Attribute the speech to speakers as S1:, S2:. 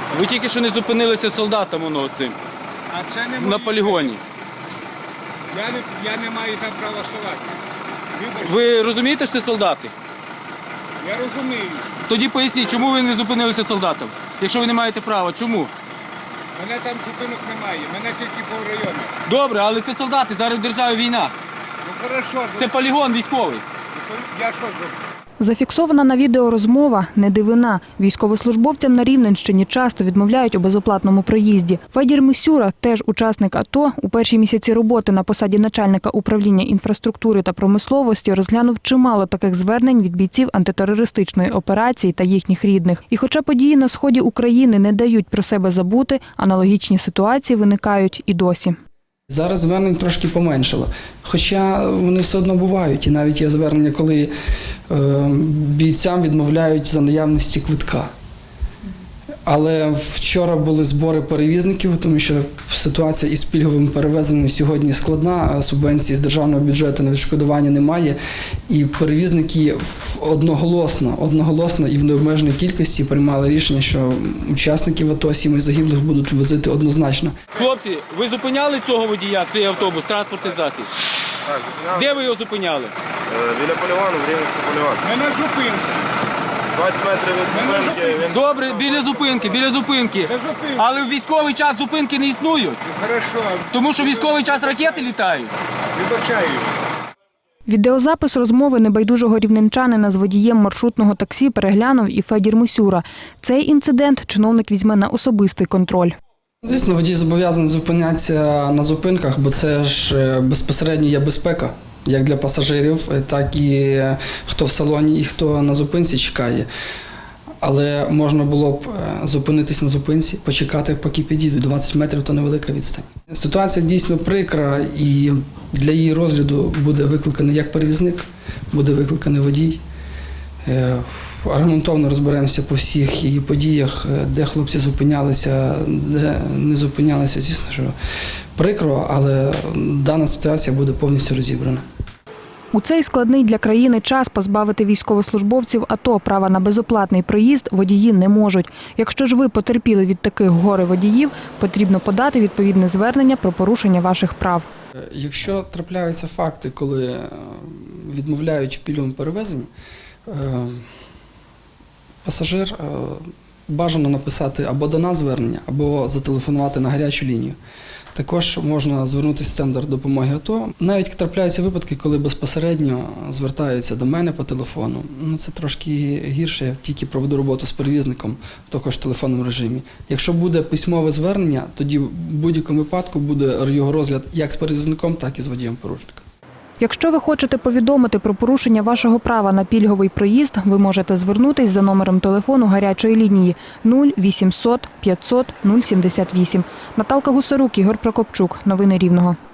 S1: Ви тільки що не зупинилися солдатом цим
S2: А це не
S1: на полігоні.
S2: Я не маю там права ставати. Вибачте.
S1: Ви розумієте, що це солдати?
S2: Я розумію.
S1: Тоді поясніть, чому ви не зупинилися солдатом? Якщо ви не маєте права, чому?
S2: Мене там зупинок немає, мене тільки по району.
S1: Добре, але це солдати, зараз в державі війна.
S2: Ну хорошо,
S1: Це полігон військовий.
S2: я що зроблю?
S3: Зафіксована на відео розмова – не дивина. Військовослужбовцям на Рівненщині часто відмовляють у безоплатному проїзді. Федір Мисюра, теж учасник АТО, у перші місяці роботи на посаді начальника управління інфраструктури та промисловості розглянув чимало таких звернень від бійців антитерористичної операції та їхніх рідних. І хоча події на сході України не дають про себе забути, аналогічні ситуації виникають і досі.
S4: Зараз звернень трошки поменшало, хоча вони все одно бувають. І навіть є звернення, коли бійцям відмовляють за наявності квитка. Але вчора були збори перевізників, тому що ситуація із пільговими перевезеннями сьогодні складна, субвенції з державного бюджету на відшкодування немає. І перевізники одноголосно і в необмеженій кількості приймали рішення, що учасників АТО, сімей загиблих будуть возити однозначно.
S1: Хлопці, ви зупиняли цього водія, цей автобус, транспортний засіб?
S5: Так, зупиняли.
S1: Де ви його зупиняли?
S5: Біля полігону, в Рівненському полігоні.
S2: Мене зупинка.
S5: 20 метрів від зупинки. Він...
S1: Добре, біля зупинки.
S2: Це зупинка.
S1: Але в військовий час зупинки не існують.
S2: Хорошо,
S1: Тому що в військовий час ракети літають.
S2: вибачаю.
S3: Відеозапис розмови небайдужого рівненчанина з водієм маршрутного таксі переглянув і Федір Мисюра. Цей інцидент чиновник візьме на особистий контроль.
S4: Звісно, водій зобов'язаний зупинятися на зупинках, бо це ж безпосередньо є безпека, як для пасажирів, так і хто в салоні і хто на зупинці чекає. Але можна було б зупинитись на зупинці, почекати, поки підійдуть. 20 метрів – то невелика відстань. Ситуація дійсно прикра, і для її розгляду буде викликаний як перевізник, буде викликаний водій. Аргументовно розберемося по всіх її подіях, де хлопці зупинялися, де не зупинялися. Звісно, що прикро, але дана ситуація буде повністю розібрана.
S3: У цей складний для країни час позбавити військовослужбовців АТО права на безоплатний проїзд водії не можуть. Якщо ж ви потерпіли від таких горе-водіїв, потрібно подати відповідне звернення про порушення ваших прав.
S4: Якщо трапляються факти, коли відмовляють в пільговому перевезенні, пасажир бажано написати або до нас звернення, або зателефонувати на гарячу лінію. Також можна звернутися в центр допомоги АТО. Навіть трапляються випадки, коли безпосередньо звертаються до мене по телефону. Це трошки гірше, я тільки проведу роботу з перевізником, також в телефонному режимі. Якщо буде письмове звернення, тоді в будь-якому випадку буде його розгляд як з перевізником, так і з водієм-порушником.
S3: Якщо ви хочете повідомити про порушення вашого права на пільговий проїзд, ви можете звернутись за номером телефону гарячої лінії 0800 500 078. Наталка Гусарук, Ігор Прокопчук. Новини Рівного.